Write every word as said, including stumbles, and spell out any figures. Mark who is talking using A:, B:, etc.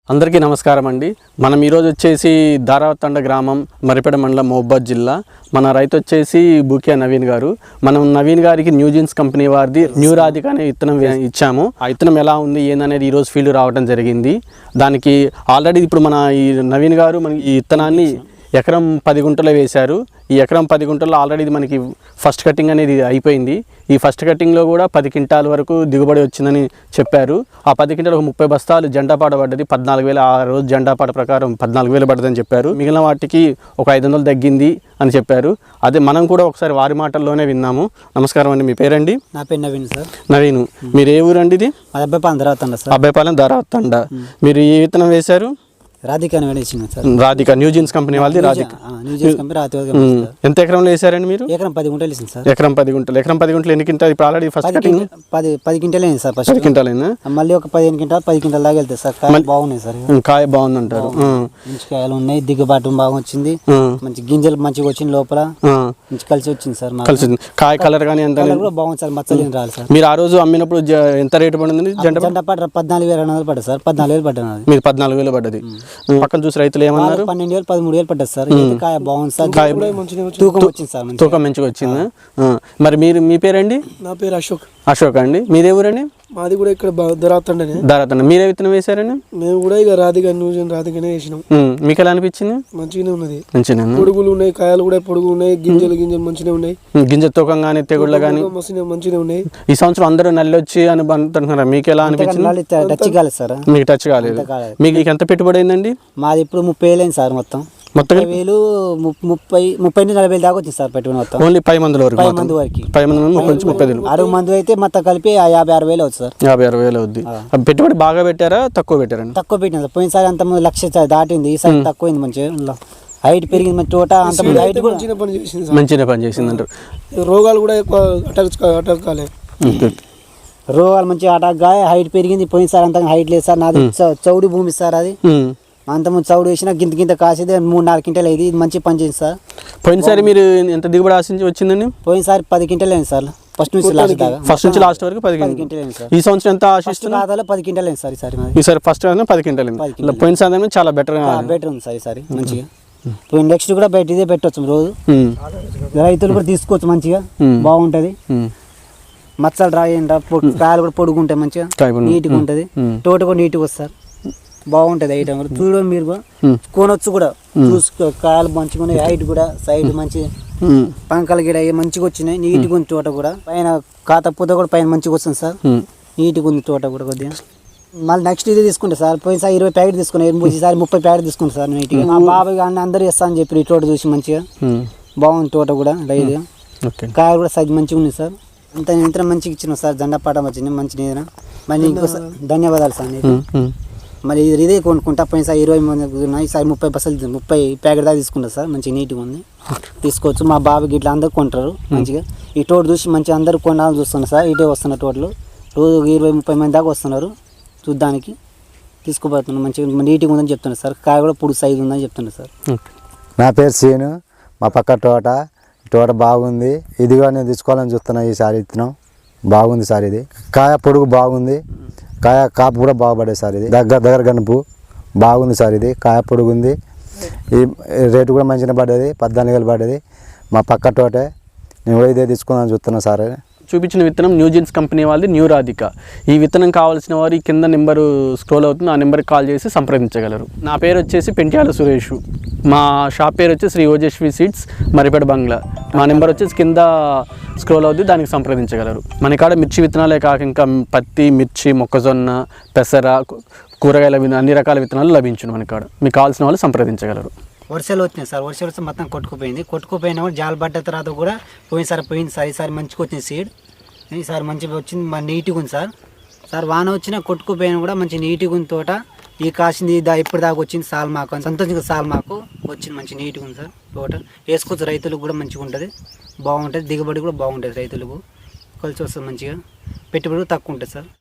A: అందరికీ నమస్కారం అండి. మనం ఈరోజు వచ్చేసి దారావతండ గ్రామం, మరిపేడ మండలం, మహబూబాద్ జిల్లా. మన రైతు వచ్చేసి బూకియా నవీన్ గారు. మనం నవీన్ గారికి న్యూజిన్స్ కంపెనీ వారిది న్యూ రాధిక అనే విత్తనం ఇచ్చాము. ఆ విత్తనం ఎలా ఉంది ఏందనేది ఈరోజు ఫీల్డ్ రావడం జరిగింది. దానికి ఆల్రెడీ ఇప్పుడు మన ఈ నవీన్ గారు మన ఈ విత్తనాన్ని ఎకరం పది గుంటలు వేశారు. ఈ ఎకరం పది గుంటల్లో ఆల్రెడీ మనకి ఫస్ట్ కటింగ్ అనేది అయిపోయింది. ఈ ఫస్ట్ కటింగ్లో కూడా పది క్వింటాల వరకు దిగుబడి వచ్చిందని చెప్పారు. ఆ పది క్వింటాలకు ముప్పై బస్తాలు జెండాపాట పడ్డది. పద్నాలుగు వేల ఆ రోజు జెండాపాట ప్రకారం పద్నాలుగు వేలు పడ్డదని చెప్పారు. మిగిలిన వాటికి ఒక ఐదు వందలు తగ్గింది అని చెప్పారు. అదే మనం కూడా ఒకసారి వారి మాటల్లోనే విన్నాము. నమస్కారం అండి, మీ పేరండి?
B: నా పేరు నవీన్ సార్.
A: నవీన్, మీరు ఏ ఊరండి? ఇది
B: అబ్బాయిపాలెం దారావతండ సార్.
A: అబ్బాయిపాలెం దారావతండ. మీరు ఏ విత్తనం వేశారు?
B: రాధిక సార్.
A: రాధిక న్యూజిన్స్ కంపెనీ వాళ్ళది. రాధిక ఎంత ఎకరంలో వేసారండి మీరు?
B: ఎకరం పది గుంటలు వేసింది సార్.
A: ఎకరం పది గుంటలు. ఎకరం పది గుంటలు ఎన్ని క్వింటాలు? ఇప్పుడు ఆల్రెడీ ఫస్ట్ కటింగ్
B: పది పది క్వింటాలు అయింది సార్. ఫస్ట్
A: క్వింటాల్ అయిందా?
B: మళ్ళీ ఒక పదిహేను క్వింటాలు పది క్వింటాల్ దాకా వెళ్తాయి సార్. కాయ బాగున్నాయి సార్.
A: కాయ బాగుంది అంటారు.
B: మంచి కాయలు ఉన్నాయి, దిగుబాటు బాగా వచ్చింది, మంచి గింజలు మంచిగా వచ్చింది, లోపల మంచి కలిసి వచ్చింది సార్.
A: కలిసి కాయ కలర్ కానీ ఎంత
B: కూడా బాగుంది సార్, మచ్చలేని రాలి సార్.
A: మీరు ఆ రోజు అమ్మినప్పుడు ఎంత రేటు పడింది? జెండా
B: జెండా పాట పద్నాలుగు వేల రెండు వందలు పడ్డది సార్. పద్నాలుగు వేలు పడ్డది.
A: మీరు పద్నాలుగు వేలు పడ్డది. పక్కన చూసి రైతులు ఏమన్నారు?
B: పన్నెండు వేలు పదమూడు వేలు పడ్డది సార్. కాయ బాగుంది సార్, తూకం వచ్చింది సార్,
A: తూకం మంచిగా వచ్చిందా? మరి మీరు మీ పేరండి?
C: నా పేరు అశోక్.
A: అశోక్ అండి. మీదే ఊరండి?
C: మాది కూడా ఇక్కడ దారావతండనే.
A: దారావతండ. మీరే విత్తనం వేశారండి?
C: మేము కూడా ఇక రాధిక న్యూజిన్ రాధికనే వేసినాం.
A: మీకు ఎలా అనిపించింది?
C: మంచిగానే ఉన్నది.
A: మంచిగా
C: పొడుగులు ఉన్నాయి, కాయలు కూడా పొడుగు ఉన్నాయి, గింజలు గింజలు మంచిగా ఉన్నాయి.
A: గింజ తూకం కానీ తెగుళ్ళు కానీ
C: మంచిగా ఉన్నాయి.
A: ఈ సంవత్సరం అందరూ నల్లి వచ్చి అని అంటున్నారు. మీకు ఎలా అనిపించింది?
B: టచ్ కాలేదు సార్.
A: మీకు టచ్ కాలేదు. మీకు ఎంత పెట్టుబడి అయిందండి?
B: మాది ఇప్పుడు ముప్పై వేలు అయింది సార్. మొత్తం మొత్తం వేలు ముప్పై ముప్పై నుంచి నలభై వేలు దాకా వచ్చింది సార్ పెట్టుబడి మొత్తం.
A: ఓన్లీ పది మంది వరకు?
B: పది మంది వరకు.
A: పది మంది ముప్పై నుంచి ముప్పై వేలు.
B: అరవై మంది అయితే మొత్తం కలిపి యాభై ఆరు వేలు అవుతుంది సార్.
A: యాభై ఆరు వేలు అవుద్ది. పెట్టుబడి బాగా పెట్టారా తక్కువ పెట్టారండి?
B: తక్కువ పెట్టింది సార్. పోయినసారి అంత ముందు లక్ష దాటింది, ఈసారి తక్కువైంది. మంచిగా హైట్ పెరిగింది, మంచి తోట అంత హైట్ కూడా
C: మంచిగా పని చేసింది.
A: మంచిగా పని చేసింది అంటారు.
C: రోగాలు కూడా ఎక్కువ అటాక్ అటాక్ కాలేదు.
B: రోగాలు మంచిగా అటాక్ గా హైట్ పెరిగింది. పోయినసారి అంత హైట్ లేదు సార్. నాది చౌడి భూమి సార్. అది అంతకుముందు చౌడు వేసినా గింత గింత కాసేది మూడు నాలుగు క్వింటాలు అయింది. ఇది మంచి పని చేసింది సార్.
A: పోయినసారి మీరు ఎంత దిగుబడి ఆశించి వచ్చిందండి?
B: పోయినసారి పది క్వింటాలు అయింది సార్. ఫస్ట్ నుంచి లాస్ట్ దాకా,
A: ఫస్ట్ నుంచి లాస్ట్ వరకు పది క్వింటాలు అయింది సార్. ఈ సంవత్సరం ఎంత ఆశిస్తున్నారు?
B: ఖాతాలో పది క్వింటాలు అయింది సార్ ఈసారి.
A: ఈసారి ఫస్ట్ పది క్వింటాలు అయింది. పోయినసారి చాలా బెటర్
B: బెటర్ ఉంది సార్ ఈసారి. మంచిగా నెక్స్ట్ కూడా బయట ఇదే పెట్టవచ్చు రోజు. రైతులు కూడా తీసుకోవచ్చు, మంచిగా బాగుంటది. మచ్చలు రాయండి, కాయలు కూడా పొడుగుంటాయి, మంచిగా నీట్గా ఉంటుంది. తోట కూడా నీట్గా వస్తారు, బాగుంటది. ఐటమ్ చూడ మీరు కొనొచ్చు కూడా. చూసుకో, కాయలు మంచిగా ఉన్నాయి, హైట్ కూడా సైడ్ మంచి పంకల గిడ మంచిగా వచ్చినాయి. నీట్గా ఉంది తోట కూడా. పైన కాత పూత కూడా పైన మంచిగా వస్తుంది సార్. నీట్గా ఉంది తోట కూడా కొద్దిగా. మళ్ళీ నెక్స్ట్ ఇది తీసుకుంటా సార్. పోయినసారి ఇరవై ప్యాకెట్ తీసుకున్నాను, ఈసారి ముప్పై ప్యాకెట్ తీసుకుంటా సార్. నీట్గా మా బాబాయ్ కానీ అందరూ ఇస్తా అని చెప్పి ఈ తోట చూసి మంచిగా బాగుంది తోట కూడా. లైట్గా కాయలు కూడా సైజ్ మంచిగా ఉంది సార్. అంత ఇంత మంచిగా ఇచ్చిన సార్. జెండా పాట వచ్చింది మంచి నీదన. మళ్ళీ ఇంకోసారి ధన్యవాదాలు సార్. మళ్ళీ ఇది ఇదే కొనుక్కుంటా. పోయినసారి ఇరవై మంది ఉన్నాయి, ఈసారి ముప్పై బస్సులు ముప్పై ప్యాకెట్ దాకా తీసుకుంటారు సార్. మంచిగా నీట్గా ఉంది, తీసుకోవచ్చు. మా బాబుకి ఇట్లా అందరు కొంటారు మంచిగా. ఈ తోట చూసి మంచిగా అందరూ కొనాలని చూస్తున్నారు సార్. ఇటే వస్తున్న తోటలు రోజు ఇరవై ముప్పై మంది దాకా వస్తున్నారు చూడ్డానికి. తీసుకుపోతున్నారు, మంచిగా నీట్గా ఉందని చెప్తున్నారు సార్. కాయ కూడా పొడి సైజు ఉందని చెప్తున్నారు సార్.
D: నా పేరు సీను. మా పక్క తోట తోట బాగుంది. ఇదిగా నేను తీసుకోవాలని చూస్తున్నా. ఈసారి ఇస్తున్నాం బాగుంది సార్. ఇది కాయ పొడుగు బాగుంది, కాయ కాపు కూడా బాగుపడేది సార్. ఇది దగ్గర దగ్గర గనుపు బాగుంది సార్. ఇది కాయ పొడుగు ఉంది. ఈ రేటు కూడా మంచిగా పడ్డది, పద్నాలుగు వేలు పడ్డది. మా పక్క తోటే నేను కూడా ఇదే తీసుకుందామని చూస్తున్నా సార్.
A: చూపించిన విత్తనం న్యూజిన్స్ కంపెనీ వాళ్ళది న్యూ రాధిక. ఈ విత్తనం కావాల్సిన వారు ఈ కింద నెంబరు స్క్రోల్ అవుతుంది, ఆ నెంబర్కి కాల్ చేసి సంప్రదించగలరు. నా పేరు వచ్చేసి పెంట్యాల సురేష్. మా షాప్ పేరు వచ్చి శ్రీ ఓజస్వి సీడ్స్, మరిపేడ బంగ్లా. మా నెంబర్ వచ్చేసి కింద స్క్రోల్ అవుతుంది, దానికి సంప్రదించగలరు. మన కాడ మిర్చి విత్తనాలే కాక ఇంకా పత్తి, మిర్చి, మొక్కజొన్న, పెసర, కూరగాయల అన్ని రకాల విత్తనాలు లభించును మన కాడ. మీకు కావాల్సిన వాళ్ళు సంప్రదించగలరు.
B: వర్షాలు వచ్చినాయి సార్. వర్షాలు వస్తే మొత్తం కొట్టుకుపోయింది. కొట్టుకుపోయినా కూడా జాలు పడ్డ తర్వాత కూడా పోయినసారి పోయింది సార్. ఈసారి మంచిగా వచ్చింది సీడ్. ఈసారి మంచిగా వచ్చింది, నీట్గా ఉంది సార్. సార్ వాన వచ్చినా కొట్టుకుపోయినా కూడా మంచి నీట్గా ఉంది తోట. ఈ కాసింది దా ఇప్పుడు దాకా వచ్చింది సాల్ మాకు సంతోషంగా సాల్ మాకు వచ్చింది. మంచి నీట్గా ఉంది సార్ తోట. వేసుకోవచ్చు, రైతులకు కూడా మంచిగా ఉంటుంది, బాగుంటుంది. దిగుబడి కూడా బాగుంటుంది, రైతులకు కలిసి వస్తుంది మంచిగా. పెట్టుబడి తక్కువ ఉంటుంది సార్.